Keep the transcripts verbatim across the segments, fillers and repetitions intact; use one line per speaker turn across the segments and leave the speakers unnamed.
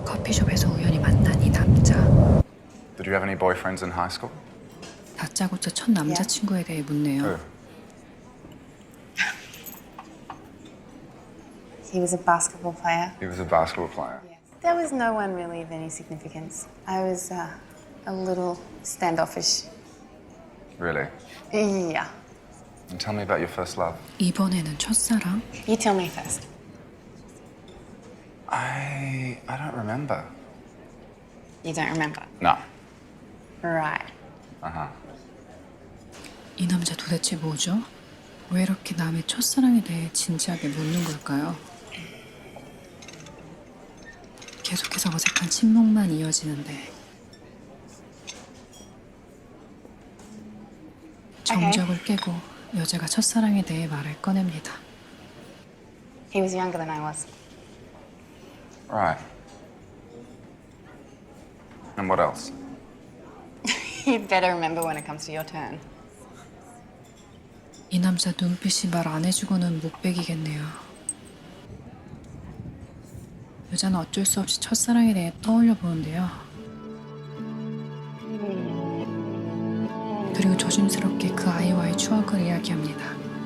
커피숍에서 우연히 만난 이 남자.
Did you have any boyfriends in high school?
다짜고짜 첫 남자친구에 대해 묻네요.
Who?
He was a basketball player.
He was a basketball player.
Yes. There was no one really of any significance. I was uh, a little standoffish.
Really?
Yeah.
And tell me about your first love.
이번에는 첫사랑?
You tell me first.
I I don't remember.
You don't remember?
No.
Right.
Uh-huh.
이 남자 도대체 뭐죠? 왜 이렇게 남의 첫사랑에 대해 진지하게 묻는 걸까요? 계속해서 어색한 침묵만 이어지는데 정적을 깨고 여자가 첫사랑에 대해 말을 꺼냅니다.
He was younger than I was.
Right. And what else?
You'd better remember when it comes to your turn.
이 남자 눈빛이 말 안 해주고는 못 베기겠네요. 여자는 어쩔 수 없이 첫사랑에 대해 떠올려 보는데요. 그리고 조심스럽게 그 아이와의 추억을 이야기합니다.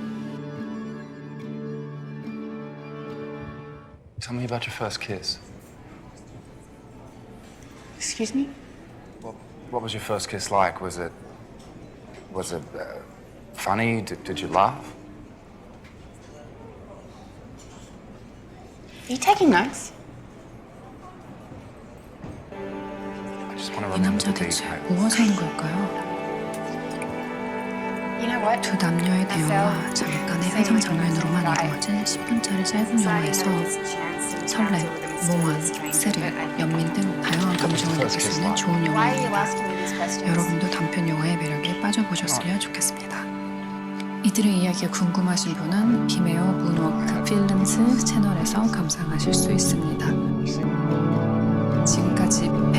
Tell me about your first kiss.
Excuse me?
What, what was your first kiss like? Was it was it uh, funny? Did, did you laugh?
Are you taking notes?
I just want to
이
remember
남자
the
대체
details.
무엇 하는 걸까요?
You know what?
두 남녀의 대화와 잠깐의 회상 장면으로만 이루어진 십 분짜리 짧은 영화에서 설렘, 몽환, 스릴, 연민 등 다양한 감정을 느낄 수 있는 좋은
Why are you
영화입니다.
asking me these questions?
여러분도 단편 영화의 매력에 빠져보셨으면 좋겠습니다. 이들의 이야기가 궁금하신 분은 비메오 문워크 필름스 채널에서 감상하실 수 있습니다. 지금까지